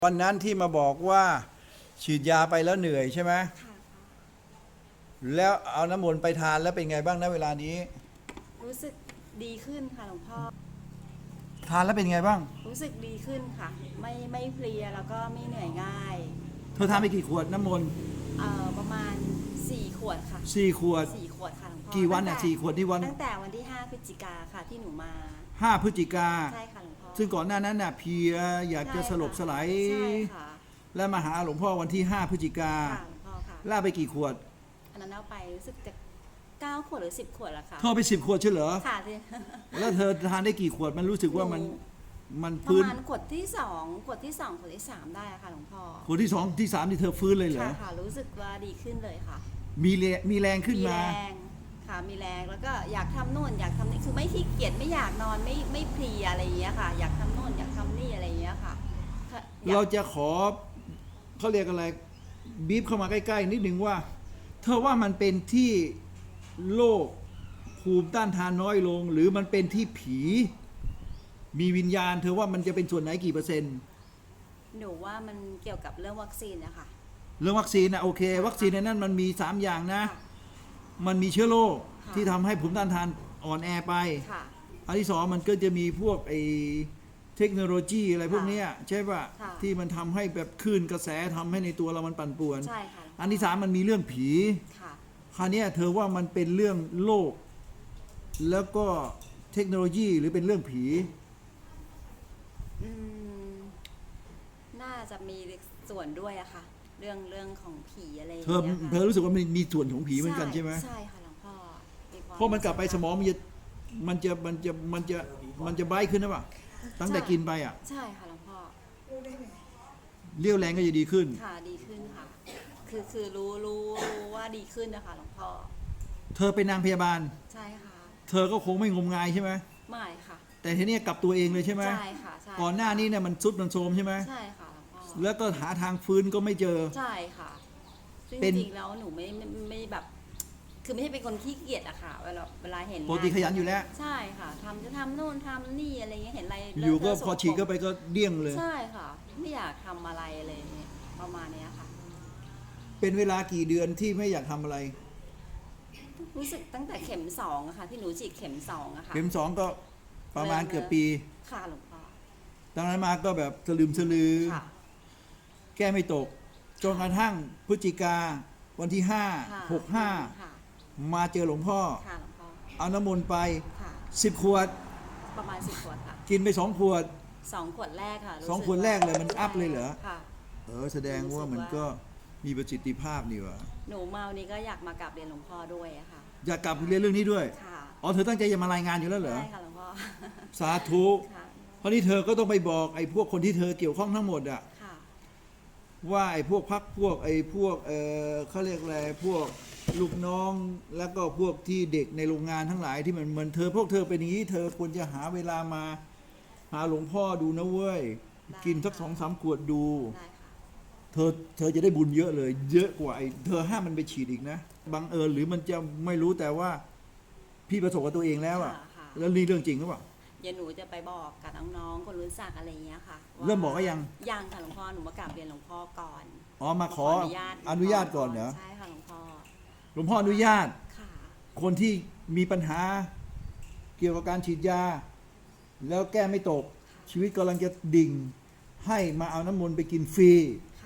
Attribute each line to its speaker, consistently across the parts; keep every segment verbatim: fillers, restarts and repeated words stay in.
Speaker 1: วันนั้นที่มาบอกว่าฉีดยาไปแล้วเหนื่อยใช่ไหม
Speaker 2: ค่ะ
Speaker 1: แล้วเอาน้ำมนต์ไปทานแล้วเป็นไงบ้างนะเวลานี้
Speaker 2: รู้สึกดีขึ้นค่ะหลวงพ่อ
Speaker 1: ทานแล้วเป็นไงบ้าง
Speaker 2: รู้สึกดีขึ้นค่ะ ไม่ไม่เพลียแล้วก็ไม่เหนื่อยง่าย
Speaker 1: เธอทานไปกี่ขวดน้ำมนต์
Speaker 2: เอ่อประมาณสี่ขวดค่ะ
Speaker 1: สี่ขวด
Speaker 2: สี่ขวดค่ะหลวงพ่อ
Speaker 1: กี่วันอ่ะสี่ขวดที่วัน
Speaker 2: ตั้งแต่วันที่ห้าพฤศจิกาค่ะที่หนูมา
Speaker 1: ห้าพฤศจิกา
Speaker 2: ใช่ค่ะหลวงพ่อ
Speaker 1: ซึ่งก่อนหน้านั้นน่ะเพลียอยากจะสลบสลาย
Speaker 2: ใช่ค่ะ
Speaker 1: แล้วมาหาหลวงพ่อวันที่ห้าพฤศจิกา
Speaker 2: ค่ะหลวงพ่อค่ะ
Speaker 1: ล่าไปกี่ขวด
Speaker 2: อันนั้นเอาไปรู้สึกจะเก้าขวดหรือสิบขวดละค่ะ
Speaker 1: เธอไปสิบขวดใช่เหรอ
Speaker 2: ค่ะที่
Speaker 1: แล้วเธอทานได้กี่ขวดมันรู้สึกว่ามันมัน
Speaker 2: ประ
Speaker 1: ฟื้น
Speaker 2: มาณขวดที่สองขวดที่สองขวดที่สามได้ค่ะหลวงพ่อ
Speaker 1: ขวดที่สองที่สามที่เธอฟื้นเลยเหรอ
Speaker 2: ค่ะค่ะรู้สึกว่าดีขึ้นเลยค่ะ
Speaker 1: มีแรงมีแรงขึ้นมา
Speaker 2: มีแรงค่ะมีแรงแล้วก็อยากทำโน่นอยากทำนี่คือไม่ขี้เกียจไม่อยากนอนไม่ไม่เพลียอะไรอย่างเงี้ยค่ะอยากทำโน่นอยากทำนี่อะไรอย่างเงี้ยค่ะ
Speaker 1: เราจะขอเขาเรียกอะไรบีบเข้ามาใกล้ๆนิดหนึ่งว่าเธอว่ามันเป็นที่โรคภูมิต้านทานน้อยลงหรือมันเป็นที่ผีมีวิญญาณเธอว่ามันจะเป็นส่วนไหนกี่เปอร์เซ็นต์
Speaker 2: หนูว่ามันเกี่ยวกับเรื่องวัคซีนนะคะ
Speaker 1: เรื่องวัคซีนนะโอเควัคซีนในนั้นมันมีสามอย่างนะมันมีเชื้อโรคที่ทำให้ภูมิต้านทานอ่อนแอไปอันที่สองมันก็จะมีพวกไอเทคโนโลยีอะไรพวกนี้ใช่ป่ะที่มันทำให้แบบคลื่นกระแสทำให้ในตัวเรามันปั่นป่วน
Speaker 2: ใช่ค่ะ
Speaker 1: อันที่สามมันมีเรื่องผีคราวนี้เธอว่ามันเป็นเรื่องโลกแล้วก็เทคโนโลยีหรือเป็นเรื่องผี
Speaker 2: อืมน่าจะมีส่วนด้วยอะค่ะเรื่องเรื่องของผีอะไรอย่าง
Speaker 1: เธอ
Speaker 2: เงี้ยค่ะ
Speaker 1: เธอรู้สึกว่ามันมีส่วนของผีเหมือนกันใช่ไหม
Speaker 2: ใช่ค่ะหลวงพ่อ
Speaker 1: เพราะมันกลับไปสมองมันจะมันจะมันจะมันจะมันจะไบ้ขึ้นนะป่ะตั้งแต่กินไปอ่ะ
Speaker 2: ใช่ค่ะหลวงพ่อ
Speaker 1: เรี่ยวแรงก็จะดีขึ้น
Speaker 2: ค่ะดีขึ้นค่ะคือคือรู้รู้รู้ว่าดีขึ้นนะคะหลวงพ่อ
Speaker 1: เธอเป็นนางพยาบาล
Speaker 2: ใช่ค่ะ
Speaker 1: เธอก็คงไม่งมงายใช่ไหม
Speaker 2: ไม่ค่ะ
Speaker 1: แต่ทีนี้กลับตัวเองเลยใช่ไหม
Speaker 2: ใช่ค่ะใช่
Speaker 1: ก่อนหน้านี้เนี่ยมันซุดมันโทรมใช่ไหม
Speaker 2: ใช่ค่ะหลวงพ่อ
Speaker 1: แล้วก็หาทางฟื้นก็ไม่เจอ
Speaker 2: ใช่ค่ะจริงๆแล้วหนูไม่ไม่ไม่แบบ คือไม่ใช่เป็นคนขี้เกียจอะค่ะเวลาเวลาเห็น
Speaker 1: ปกติขยันอยู่แล้ว
Speaker 2: ใช่ค่ะทำจะทำโน่นทำนี่อะไรเงี้ยเห็นอะไร
Speaker 1: อยู่ก็พอฉีดก็ไปก็เดี่ยงเลย
Speaker 2: ใช่ค่ะไม่อยากทำอะไรเลยประมาณนี้ค่ะ
Speaker 1: เป็นเวลากี่เดือนที่ไม่อยากทำอะไร
Speaker 2: รู้สึกตั้งแต่เข็มสองอะค่ะที่หนูฉีดเข็มสองอะค่ะ
Speaker 1: เข็มสองก็ประมาณเกือบปี
Speaker 2: ค่ะหลวงพ่อ
Speaker 1: ดังนั้นมาก็แบบสลืมสลือแก้ไม่ตกจนกระทั่งพฤศจิกาวันที่ห้าหกห้ามาเจอหลวงพ่อเอาน้ำมนต์ไปสิบขวด
Speaker 2: ประมาณสิบขวดค่ะ
Speaker 1: กินไปสองขวด
Speaker 2: สองขวดแรกค่ะ
Speaker 1: สองขวดแรกเลยมันอัพเลยเหรอเออแสดงว่ามันก็มีประสิทธิภาพนี่วะ
Speaker 2: หนูมาวันนี้ก็อยากมากราบเรียนหลวงพ่อด้วยอะค่ะ
Speaker 1: อยากกลับเรียนเรื่องนี้ด้วยอ๋อเธอตั้งใจจะมารายงานอยู่แล้วเหรอ
Speaker 2: ใช่ค่ะหลวงพ่อ
Speaker 1: สาธุเพราะนี่เธอก็ต้องไปบอกไอ้พวกคนที่เธอเกี่ยวข้องทั้งหมดอะว่าไอ้พวกพักพวกไอ้พวกเออเขาเรียกอะไรพวกลูกน้องแล้วก็พวกที่เด็กในโรงงานทั้งหลายที่มันเหมือนเธอพวกเธอเป็นอย่างนี้เธอควรจะหาเวลามาหาหลวงพ่อดูนะเว้ยกินสักสองสามขวดดูเธอเธอจะได้บุญเยอะเลยเยอะกว่าไอ้เธอห้ามมันไปฉีดอีกนะบังเอิญหรือมันจะไม่รู้แต่ว่าพี่ประสบกับตัวเองแล้วอะแล้วนี่เรื่องจริงหรือเปล่า
Speaker 2: เดี๋ยวหนูจะไปบอกกับน้องๆคนรู้จักอะไรเงี้ยค่ะ
Speaker 1: เริ่มบอกก็ยัง
Speaker 2: ยังค่ะหลวงพ่อหนูมากราบเรียนหลวงพ่อก่อน
Speaker 1: อ๋อมาขออนุญาตก่อนเหรอ
Speaker 2: ใช่ค่ะหลวงพ่อ
Speaker 1: หลวงพ่ออนุญาตคนที่มีปัญหาเกี่ยวกับการฉีดยาแล้วแก้ไม่ตกชีวิตกำลังจะดิ่งให้มาเอาน้ำมนต์ไปกินฟรี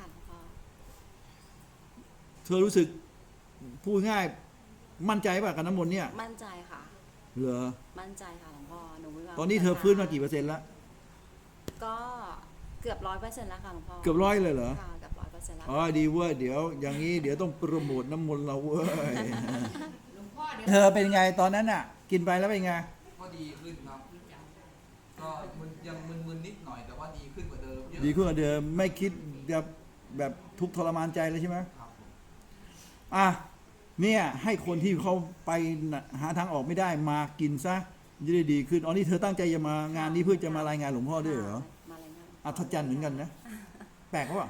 Speaker 1: เธอรู้สึกพูดง่ายมั่นใจป่ะกับน้ำมนต์เนี่ย
Speaker 2: มั่นใจค่ะ
Speaker 1: เหรอ
Speaker 2: มั่นใจค่ะหลวงพ่อหนู
Speaker 1: ตอนนี้เธอฟื้นมากี่เปอร์เซ็นต์แล้ว
Speaker 2: ก็เกือบร้อยเปอร์เซ็นต์แล้วค่ะหลวงพ่อ
Speaker 1: เกือบร้อยเลยเหรอ
Speaker 2: ค่ะเกือบร้อยเปอร์เซ็นต์แล้ว
Speaker 1: อ๋อดีเว้ยเดี๋ยวอย่างนี้เดี๋ยวต้องโปรโมทน้ำมนต์เราเว้ยเธอเป็นไงตอนนั้นอ่ะกินไปแล้วเป็นไง
Speaker 3: ก็ดีขึ้นครับก็มันยังมึนๆนิดหน่อยแต่ว่าดีขึ้นกว่าเดิมเยอะ
Speaker 1: ดีขึ้นกว่าเดิมไม่คิดจะแบบทุกข์ทรมานใจเลยใช่ไหม
Speaker 3: ครับ
Speaker 1: อ่ะเนี่ยให้คนที่เขาไปหาทางออกไม่ได้มากินซะจะได้ดีขึ้นอ๋อนี่เธอตั้งใจจะมางานนี้เพื่อจะมารายงานหลวงพ่อด้วยเหรออัศจรรย์เหมือนกันนะแปลกว่า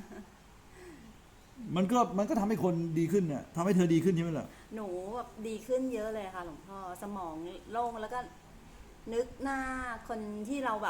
Speaker 1: มันก็มันก็ทำให้คนดีขึ้นน่ะทำให้เธอดีขึ้นใช่ไหมล่ะ
Speaker 2: หนูแบบดีขึ้นเยอะเลยค่ะหลวงพ่อสมองโล่งแล้วก็นึกหน้าคนที่เราแบบ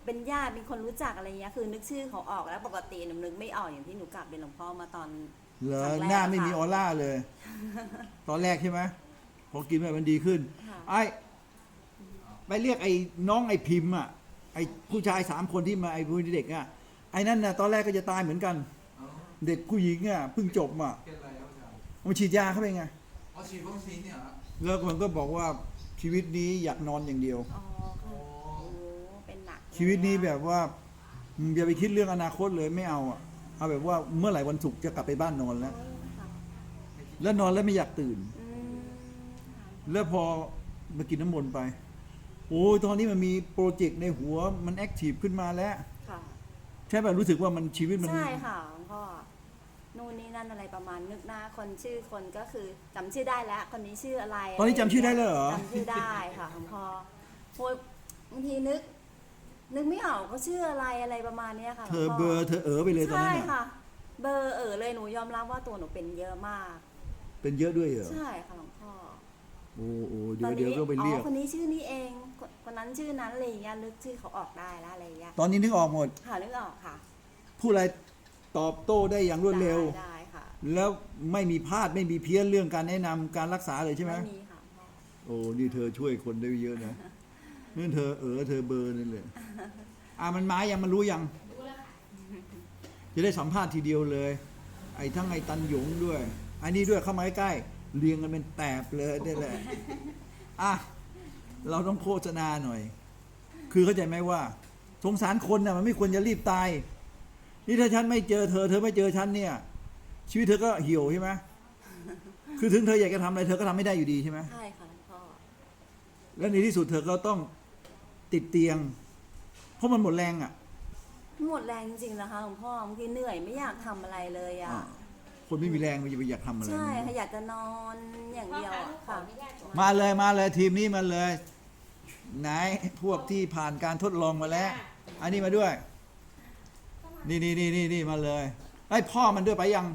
Speaker 2: เป็นญาติเป็นคนรู้จักอะไรเงี้ยคือนึกชื่อเขาออกแล้วปกติหนูนึกไม่ออกอย่างที่หนูกลับเป็นหลวงพ่อมาตอน
Speaker 1: เหรอ
Speaker 2: ครั้งแรก
Speaker 1: หน้าไม่มี
Speaker 2: ค่ะ
Speaker 1: ออร่าเลย ตอนแรกใช่ไหมพอกินไปมันดีขึ้น
Speaker 2: ค่ะ
Speaker 1: ไอ้ไปเรียกไอ้น้องไอ้พิมพ์อ่ะไอ้ผู้ชายสามคนที่มาไอ้ผู้เด็กอ่ะไอ้นั่นน่ะตอนแรกก็จะตายเหมือนกัน
Speaker 3: อ๋อ
Speaker 1: เด็กผู้หญิงอ่ะเพิ่งจบอ่ะ
Speaker 3: เป็นอะไรครับอาจารย์
Speaker 1: มันฉีดยาเข้าไปไง
Speaker 3: อ๋อฉีดวัคซีนเนี่ยเหรอ
Speaker 1: แล้วมันก็บอกว่าชีวิตนี้อยากนอนอย่างเดียว
Speaker 2: อ๋อ
Speaker 3: โอ้
Speaker 2: คือโอ้เป็นหนัก
Speaker 1: ชีวิตนี้แบบว่าอืมอย่าไปคิดเรื่องอนาคตเลยไม่เอาอ่ะเอาแบบว่าเมื่อไหร่วันศุกร์จะกลับไปบ้านนอนแล้ว
Speaker 2: โอ้ค่ะ
Speaker 1: แล้วนอนแล้วไม่อยากตื่น
Speaker 2: อืมค่ะ
Speaker 1: แล้วพอมากินน้ำมนต์ไป โอ้ยตอนนี้มันมีโปรเจกต์ในหัวมันแอคทีฟขึ้นมาแล้ว
Speaker 2: ค่ะ
Speaker 1: ใช่ป่ะรู้สึกว่ามันชีวิตมัน
Speaker 2: ใช่ค่ะหลวงพ่อนู่นนี่นั่นอะไรประมาณนึกหน้าคนชื่อคนก็คือจำชื่อได้แล้ว คนนี้ชื่ออะไร
Speaker 1: ตอนนี้จำชื่อได้เลยเหรอ
Speaker 2: จำชื่อได้ค่ะหลวงพ่อโอ้ยบางทีนึก นึกไม่ออกเขาชื่ออะไรอะไรประมาณเนี้ยค่ะหล
Speaker 1: เธ
Speaker 2: วง
Speaker 1: อ
Speaker 2: พ่
Speaker 1: เบอร์เธอเออไปเลยตอน
Speaker 2: ใช่
Speaker 1: นั้นน่ะ
Speaker 2: ค่ะ เบอร์เออเลยหนูยอมรับว่าตัวหนูเป็นเยอะมาก
Speaker 1: เป็นเยอะด้วยเหรอ
Speaker 2: ใช่ค่ะหลวงพ่อ
Speaker 1: โอ้โอ้เดี๋
Speaker 2: ต
Speaker 1: ย
Speaker 2: อ
Speaker 1: วน เดี๋ยว
Speaker 2: นี้
Speaker 1: ก็ไปเรีย
Speaker 2: อ๋
Speaker 1: ก
Speaker 2: อคนนี้ชื่อนี้เองคนคนนั้นชื่อนั้นอะไรอย่างเงี้ยนึกชื่อเขาออกได้แล้วอะไรอย่างเงี้ย
Speaker 1: ตอนนี้นึกออกหมด
Speaker 2: ค่ะนึกออกค่ะ
Speaker 1: พูดอะไรตอบโต้ได้อย่างรวดเร็ว
Speaker 2: ได้ได้ค่ะ
Speaker 1: แล้วไม่มีพลาดไม่มีเพี้ยนเรื่องการแนะนำการรักษาเลยใช่ไหม
Speaker 2: ไม่มีค่ะพ่อ
Speaker 1: โอ้นี่เธอช่วยคนได้เยอะนะนี่เธอเออเธอเบอร์นั่นเลยอ่ะมันมายังมันรู้ยังจะได้สัมภาษณ์ทีเดียวเลย ไอ้ทั้งไอ้ตันหยงด้วยอันนี้ด้วยเข้ามาใกล้ๆเรียงกันเป็นแตบเลยนี่แหละอ่ะเราต้องโฆษณาหน่อย คือเข้าใจไหมว่า สงสารคนน่ะมันไม่ควรจะรีบตาย นี่ถ้าฉันไม่เจอเธอ เธอไม่เจอฉันเนี่ย ชีวิตเธอก็เหี่ยวใช่ไหมคือถึงเธออยากจะทำอะไรเธอก็ทำไม่ได้อยู่ดีใช่ไหม
Speaker 2: ใช่ค่ะหลวงพ่อ
Speaker 1: แล้วในที่สุดเธอก็ต้องติดเตียง เพราะมันหมดแรงอ่ะ
Speaker 2: หมดแรงจริงๆนะคะหลวงพ่อบางทีเหนื่อยไม่อยากทำอะไรเลยอ่ะ
Speaker 1: อ่า คนไม่มีแรงมันจะไปอยากทำอะไร
Speaker 2: ใช่ค่ะอยากจะนอนอย่างเดียวอะค่ะ
Speaker 1: มาเลยมาเลยทีมนี้มาเลย ไหนพวกที่ผ่านการทดลองมาแล้ว อันนี้มาด้วย นี่นี่นี่นี่นี่มาเลยไอ้ยพ่อมันด้วยไปยัง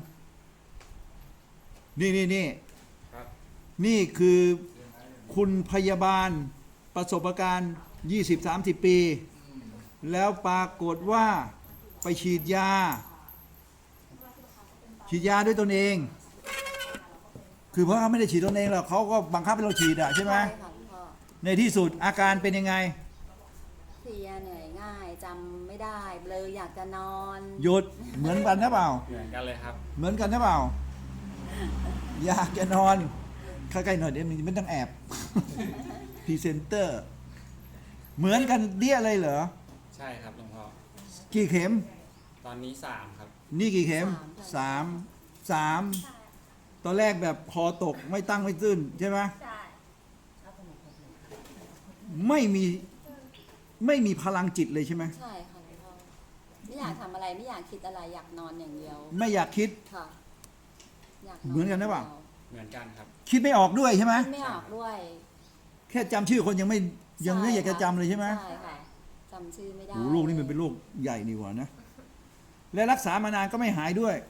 Speaker 1: นี่นี่นี่
Speaker 4: ครับ
Speaker 1: นี่คือคุณพยาบาลประสบการณ์ ยี่สิบสามสิบ ปี แล้วปรากฏว่าไปฉีดยา ฉีดยาด้วยตนเอง คือเพราะเขาไม่ได้ฉีดตนเองหรอกเขาก็บังคับให้เราฉีดอะใช่ไหม
Speaker 2: ใช่ค่ะหลวงพ่อ
Speaker 1: ในที่สุดอาการเป็นยังไง
Speaker 2: เพลียเหนื่อยง่ายจำไม่ได้เลยอยากจะนอน
Speaker 1: หยุดเหมือนกันนะเปล่า
Speaker 4: เหมือนกันเลยครับ
Speaker 1: เหมือนกันนะเปล่า อยากจะนอนใกล้ๆหน่อยเดี๋ยวมันไม่ต้องแอบ พรีเซนเตอร์ เหมือนกันเดี้ยเลยเหรอ
Speaker 4: ใช่ครับหลวงพ่อ
Speaker 1: กี่เข็ม
Speaker 4: ตอนนี้สามครับ
Speaker 1: นี่กี่เข็มสามสามตอนแรกแบบคอตกไม่ตั้งไม่ตื้นใช่ไหม
Speaker 2: ใช่
Speaker 1: ไม่มีไม่มีพลังจิตเลยใช่ไหม
Speaker 2: ใช่ค่ะหลวงพ่อไม่อยากทำอะไรไม่อยากคิดอะไรอยากนอนอย่างเดียว
Speaker 1: ไม่อยากคิด
Speaker 2: ค่ะอยาก
Speaker 1: เหมือนกันหรือเปล่า
Speaker 4: เหมือนกันครับ
Speaker 1: คิดไม่ออกด้วยใช่ไหม
Speaker 2: คิดไม่ออกด้วย
Speaker 1: แค่จำชื่อคนยังไม่ยังไม่
Speaker 2: ใช่
Speaker 1: อยากจะจำเลยใช่ไหม
Speaker 2: ใช่ค่ะจำชื่อไม่ได้
Speaker 1: โอ้โหโรคนี้มันเป็นโรคใหญ่นี่หว่านะ และรักษามานานก็ไม่หายด้วย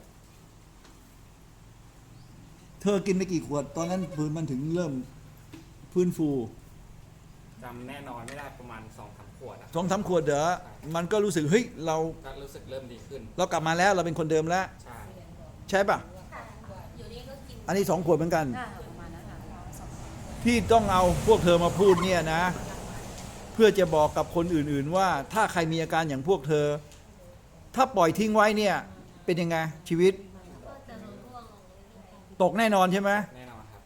Speaker 1: เธอกินไปกี่ขวด ตอนนั้นพื้นมันถึงเริ่มฟื้นฟู
Speaker 4: จำแน่นอนไม่ได้ประมาณสองสามขวดอะ
Speaker 1: สองสามขวดเด้อมันก็รู้สึกเฮ้ยเรา
Speaker 4: ก็รู้สึกเริ่มดีขึ้น
Speaker 1: เรากลับมาแล้วเราเป็นคนเดิมแล้ว
Speaker 4: ใช่
Speaker 1: ใช่ปะอันนี้สองขวดเหมือนกัน
Speaker 2: ได้ค่ะประมาณนั้นค่ะสอง
Speaker 1: ที่ต้องเอาพวกเธอมาพูดเนี่ยนะ เพื่อจะบอกกับคนอื่นๆว่า ถ้าใครมีอาการอย่างพวกเธอ ถ้าปล่อยทิ้งไว้เนี่ย เป็นยังไงชีวิต ตกแน่นอนใช่ไหม
Speaker 4: แน่นอนครับ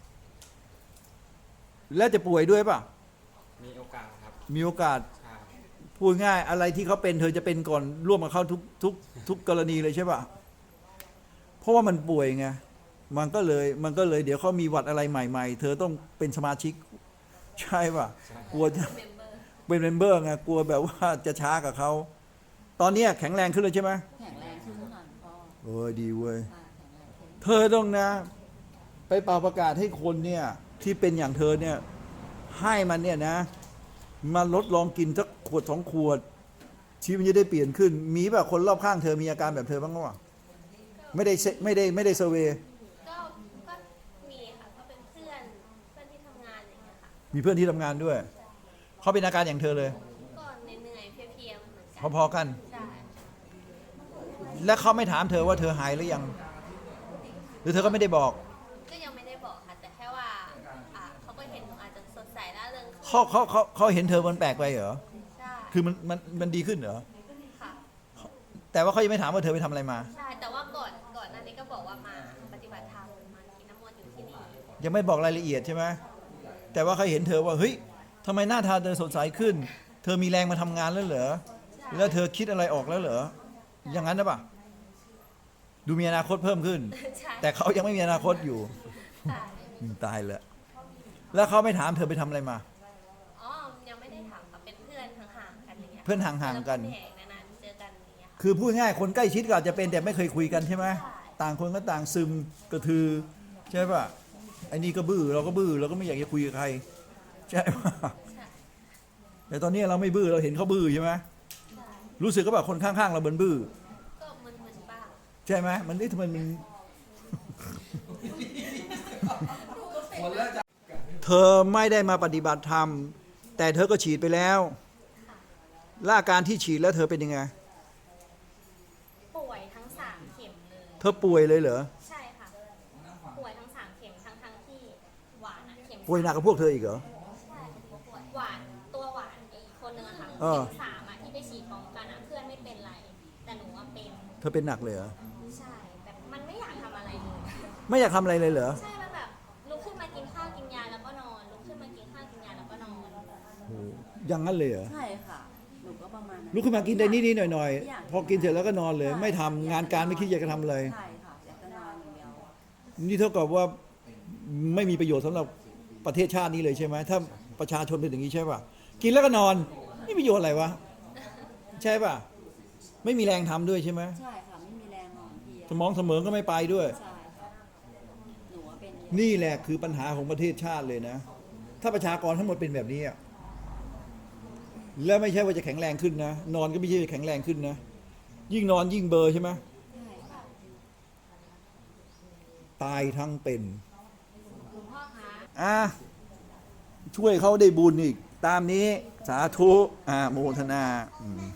Speaker 1: แล้วจะป่วยด้วยป่ะ
Speaker 4: มีโอกาสครับ
Speaker 1: มีโอกาส
Speaker 4: ใช่
Speaker 1: พูดง่ายอะไรที่เขาเป็นเธอจะเป็นก่อนร่วมกับเขาทุกทุกทุกกรณีเลยใช่ป่ะ เพราะว่ามันป่วยไงมันก็เลยมันก็เลยเดี๋ยวเขามีหวัดอะไรใหม่ ๆ เธอต้องเป็นสมาชิก ใช่ป่ะ
Speaker 4: ใช่
Speaker 1: กลัวจะเป็นเมมเบอร์ไงกลัวแบบว่าจะช้ากับเขาตอนเนี้ยแข็งแรงขึ้นเลยใช่ไหม
Speaker 2: แข็งแรงขึ้นค่ะหลวงพ่อ
Speaker 1: เออดีเว้ย
Speaker 2: ค่ะแข็งแรงขึ้น
Speaker 1: เธอต้องนะ ไปเป่าประกาศให้คนเนี่ยที่เป็นอย่างเธอเนี่ยให้มันเนี่ยนะมาลดลองกินสักขวดสองขวด ชีวิตมันจะได้เปลี่ยนขึ้น มีแบบคนรอบข้างเธอมีอาการแบบเธอบ้างหรือเปล่าไม่ได้เซไม่ได้ไม่ได้เซอร์เวย์
Speaker 5: ก็ก็มีค่ะก็เป็นเพื่อนเพื่อนที่ทำงานอย่างเงี้ยค่ะ
Speaker 1: มีเพื่อนที่ทำงานด้วยเขาเป็นอาการอย่างเธอเลย
Speaker 5: ก็เหนื่อยๆเพลียๆเหมือน
Speaker 1: พอๆกัน
Speaker 5: ใช่
Speaker 1: และเขาไม่ถามเธอว่าเธอหายหรือยัง หรือเธอก็ไม่ได้บอก
Speaker 5: ก็ยังไม่ได้บอกค่ะ แต่แค่ว่าอ่าเขาก็เห็นหนูอาจจะสดใสร่าเริงขึ้น
Speaker 1: เขาเขาเขาเขาเห็นเธอมันแปลกไปเหรอ
Speaker 5: ใช่
Speaker 1: คือมันมันมันดีขึ้นเหรอ
Speaker 5: ค่ะ
Speaker 1: แต่ว่าเขายังไม่ถามว่าเธอไปทำอะไรมา
Speaker 5: ใช่ แต่ว่าก่อนก่อนหน้านี้ก็บอกว่ามาปฏิบัติธรรมมากินน้ำมนต์อยู่ที่นี่
Speaker 1: ยังไม่บอกรายละเอียดใช่ไหมแต่ว่าเขาเห็นเธอว่าเฮ้ยทำไมหน้าตาเธอสดใสขึ้น เธอมีแรงมาทำงานแล้วเหรอ แล้วเธอคิดอะไรออกแล้วเหรอ อย่างนั้นนะปะดูมีอนาคตเพิ่มขึ้น
Speaker 5: ใช่
Speaker 1: แต่เขายังไม่มีอนาคตอยู่
Speaker 5: ใช่
Speaker 1: อืมตายแล้วแล้วเขาไม่ถามเธอไปทำอะไรมา
Speaker 5: อ๋อ ยังไม่ได้ถามค่ะเป็นเพื่อนห่างๆกันอย่างเงี้ย
Speaker 1: เพื่อนห่างๆกัน
Speaker 5: เจอแผงนานๆเจอกันอย่างเงี้ยค่ะ
Speaker 1: คือพูดง่ายคนใกล้ชิดก็อาจจะเป็นแต่ไม่เคยคุยกันใช่ไหม
Speaker 5: ใช่
Speaker 1: ต่างคนก็ต่างซึมกระทือใช่ป่ะไอ้นี่ก็บื้อเราก็บื้อเราก็ไม่อยากจะคุยกับใครใช่ป่ะ
Speaker 5: ใช่
Speaker 1: แต่ตอนนี้เราไม่บื้อเราเห็นเขาบื้อใช่ไหม
Speaker 5: ใช่
Speaker 1: รู้สึกก็แบบคนข้างๆเราเบินบื้อ
Speaker 5: ก็มึนๆบ้าง
Speaker 1: ใช่ไหมมันนี่ทำไมมัน
Speaker 3: หมดแล้วจ้ะ
Speaker 1: เธอไม่ได้มาปฏิบัติธรรม แต่เธอก็ฉีดไปแล้วและอาการที่ฉีดแล้วเธอเป็นยังไง
Speaker 5: ป่วยทั้งสามเข็มเลย
Speaker 1: เธอป่วยเลยเหรอ
Speaker 5: ใช่ค่ะ ป่วยทั้งสามเข็มทั้งทั้งๆที่หวานอะเข็ม
Speaker 1: ป่วยหนักกับพวกเธออีกเหรอ
Speaker 5: ใช่หวานตัวหวานอีกคนนึงอะค่ะ
Speaker 1: เออ
Speaker 5: เข็มสามอะที่ไปฉีดพร้อมกันอะเพื่อนไม่เป็นไร แต่หนูว่าเป็น
Speaker 1: เธอเป็นหนักเลยเหรอ
Speaker 5: ใช่แบบมันไม่อยากทำอะไรเลย
Speaker 1: ไม่อยากทำอะไรเลยเหรอ
Speaker 5: ใช่ มันแบบลุกขึ้นมากินข้าวกินยาแล้วก็นอน ลุกขึ้นมากินข้าวกินยาแล้วก็นอน
Speaker 1: โอ้อย่างนั้นเลยเหรอ
Speaker 2: ใช่ค่ะ หนูก็ประมาณนั้น
Speaker 1: ลุกขึ้นมากินได้นิดๆหน่อย
Speaker 2: ไม่อยาก
Speaker 1: ๆ พอกินเสร็จแล้วก็นอนเลย ไม่ทำงานการไม่คิดอยากจะทำเลย
Speaker 2: ใช่ค่ะ อยากจะนอนอย่างเดียว
Speaker 1: นี่เท่ากับว่าไม่มีประโยชน์สำหรับประเทศชาตินี้เลยใช่ไหมถ้าประชาชนเป็นอย่างนี้ใช่ป่ะกินแล้วก็นอนนี่ประโยชน์อะไรวะใช่ป่ะไม่มีแรงทำด้วยใช่ไหม
Speaker 2: ใช่ค่ะ ไม่มีแรงนอนเพลีย
Speaker 1: สมองเสมอก็ไม่ไปด้วย
Speaker 2: ใช่ค่ะ หนูว่าเป็นเยอะ
Speaker 1: นี่แหละคือปัญหาของประเทศชาติเลยนะ ถ้าประชากรทั้งหมดเป็นแบบนี้อะแล้วไม่ใช่ว่าจะแข็งแรงขึ้นนะ นอนก็ไม่ใช่จะแข็งแรงขึ้นนะ ยิ่งนอนยิ่งเบลอร์ใช่ไหม
Speaker 2: ใช่ค่ะ
Speaker 1: ตายทั้งเป็น
Speaker 5: คุณพ่อคะ
Speaker 1: อ่ะช่วยเขาได้บุญอีก ตามนี้สาธุอ่าโมทนาอืม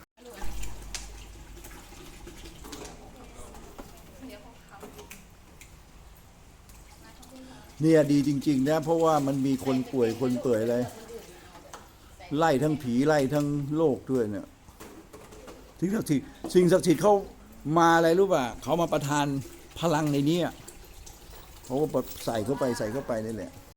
Speaker 1: เนี่ยดีจริง ๆ นะ เพราะว่ามันมีคนป่วยคนเปื่อยอะไรไล่ทั้งผีไล่ทั้งโลกด้วยเนี่ยสิ่งศักดิ์สิทธิ์สิ่งศักดิ์สิทธิ์เขามาอะไรรู้ป่ะเขามาประทานพลังในนี้อะเขาก็ใส่เข้าไปใส่เข้าไปนี่แหละ